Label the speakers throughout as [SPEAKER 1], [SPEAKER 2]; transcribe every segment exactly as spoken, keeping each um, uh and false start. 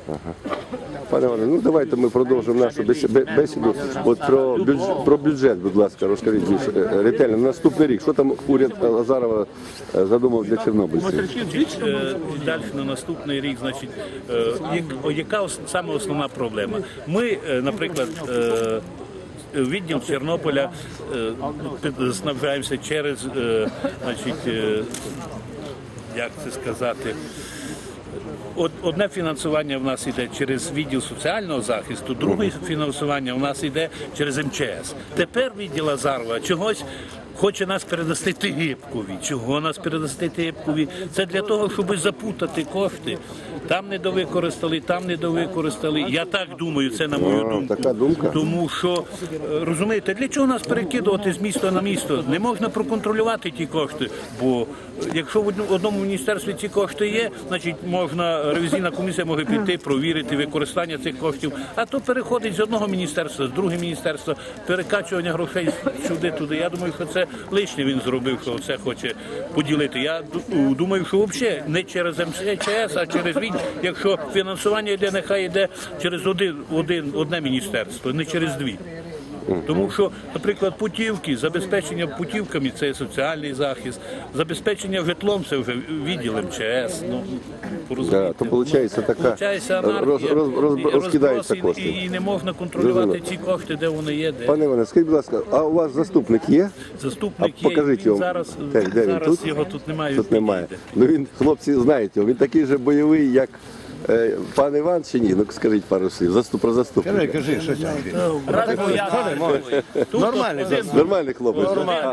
[SPEAKER 1] Ага. Пане Іване, ну давайте ми продовжимо нашу бесіду. От про бюджет, про бюджет, будь ласка, розкажіть більш ретельно. На наступний рік, що там уряд Азарова задумав для чорнобильців?
[SPEAKER 2] Далі на наступний рік, значить, яка саме основна проблема? Ми, наприклад, відділ Чорнобиля снабжаємося через, значить, як це сказати, одне фінансування в нас йде через відділ соціального захисту, друге фінансування в нас йде через ем че ес. Тепер відділ Азарова чогось хоче нас передасти Тигибкові. Чого нас передасти Тигибкові? Це для того, щоб запутати кошти. Там не довикористали, там не довикористали. Я так думаю, це на мою думку.
[SPEAKER 1] Така думка?
[SPEAKER 2] Тому що, розумієте, для чого нас перекидувати з міста на місто? Не можна проконтролювати ті кошти, бо якщо в одному міністерстві ці кошти є, значить можна, ревізійна комісія може піти, провірити використання цих коштів, а то переходить з одного міністерства, з другого міністерства, перекачування грошей сюди-туди. Я думаю, що це лишнє він зробив, що це хоче поділити. Я думаю, що взагалі не через ем че ес, а через він, якщо фінансування йде, нехай йде через один, один, одне міністерство, не через дві. Тому що, наприклад, путівки, забезпечення путівками – це соціальний захист, забезпечення житлом – це вже відділ ем че ес. Ну,
[SPEAKER 1] да, то виходить така роз, роз, роз, розкидаються кошти.
[SPEAKER 2] І, і не можна контролювати ці кошти, де вони є. Де.
[SPEAKER 1] Пане Іване, скажіть, будь ласка, а у вас заступник є?
[SPEAKER 2] Заступник
[SPEAKER 1] а покажіть
[SPEAKER 2] є,
[SPEAKER 1] його.
[SPEAKER 2] зараз,
[SPEAKER 1] де, де
[SPEAKER 2] зараз
[SPEAKER 1] тут?
[SPEAKER 2] його тут немає.
[SPEAKER 1] Тут немає. Ну він, хлопці, знають його, він такий же бойовий, як е, пан Іван чи ні? Ну скажіть пару слів, Заступ, про заступника.
[SPEAKER 3] Кажи, кажи, що там.
[SPEAKER 1] Нормальний заступник. Нормальний хлопець.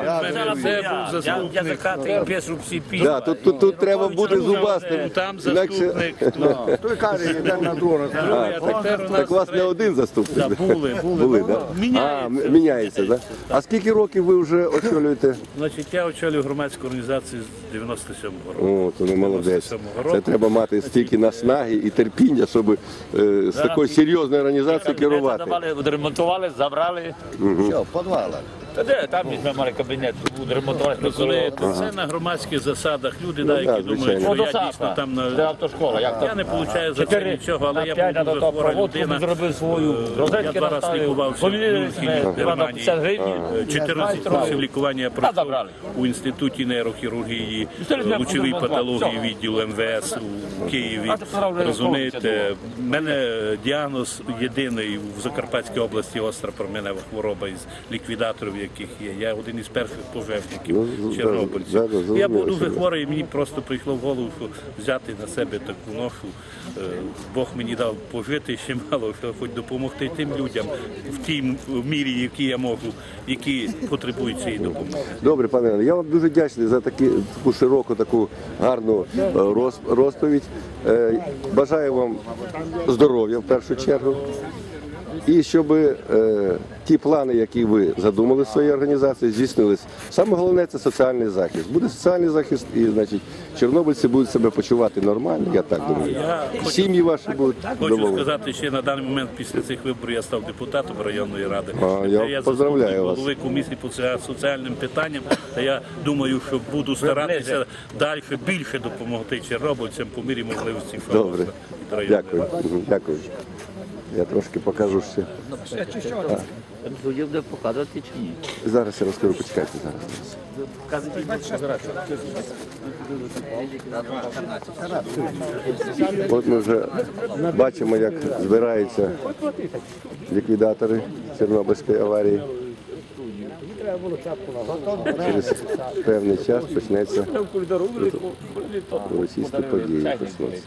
[SPEAKER 2] Я закатую пісу всі пі.
[SPEAKER 1] Да, тут, тут, тут треба бути зубастим.
[SPEAKER 2] Там заступник.
[SPEAKER 3] Той каже, йде на двор.
[SPEAKER 1] Так у вас не один заступник?
[SPEAKER 2] Були,
[SPEAKER 1] Були, да? А, міняється, да? А скільки років ви вже очолюєте?
[SPEAKER 2] Значить, я очолюю громадську організацію з дев'яносто сьомого року.
[SPEAKER 1] О, то ви молодець. Це треба мати стільки наснаги і терпіння, щоб е, з такою серйозною організацією керувати.
[SPEAKER 4] Відремонтували, забрали.
[SPEAKER 3] Що, в підвалах?
[SPEAKER 4] Та де, там ми мали кабінет, відремонтували.
[SPEAKER 2] Коли це на громадських засадах, люди, да, які думають, що я дійсно там
[SPEAKER 4] Де
[SPEAKER 2] на...
[SPEAKER 4] автошкола, як
[SPEAKER 2] Я не отримую за це нічого, але я був дуже хвора людина.
[SPEAKER 4] Зробив свою розетки,
[SPEAKER 2] Я два рази лікувався в Мюнхені, в Германії. чотирнадцять років лікування я пройшов у Інституті нейрохірургії, лучової патології відділу ем ве ес у Києві. Розумієте, в мене діагноз єдиний в Закарпатській області остра променева хвороба із ліквідаторів, яких є. Я один із перших пожежників чорнобильців. Я був дуже хворий, і мені просто прийшло в голову, що взяти на себе таку ношу. Бог мені дав пожити ще мало, що хоч допомогти тим людям в тій мірі, які я можу, які потребують цієї допомоги.
[SPEAKER 1] Добре, пане Іване, я вам дуже вдячний за такі, таку широку, таку гарну роз, розповідь. Бажаю вам здоров'я в першу чергу. І щоб е, ті плани, які ви задумали в своїй організації, здійснились. Саме головне – це соціальний захист. Буде соціальний захист, і, значить, чорнобильці будуть себе почувати нормально, я так думаю. Сім'ї ваші будуть
[SPEAKER 2] Хочу
[SPEAKER 1] доволі.
[SPEAKER 2] сказати, що на даний момент після цих виборів я став депутатом районної ради.
[SPEAKER 1] А, я, я поздравляю вас.
[SPEAKER 2] Голови комісії по соціальним питанням. Та я думаю, що буду старатися далі більше допомогти чорнобильцям по мірі можливості.
[SPEAKER 1] Добре, дякую. Дякую. Я трошки покажу ще.
[SPEAKER 4] Суддя буде показувати чи ні?
[SPEAKER 1] Зараз я розкажу, почекайте зараз. От ми вже бачимо, як збираються ліквідатори Чорнобильської аварії. Через певний час почнеться російські події. Почнуться.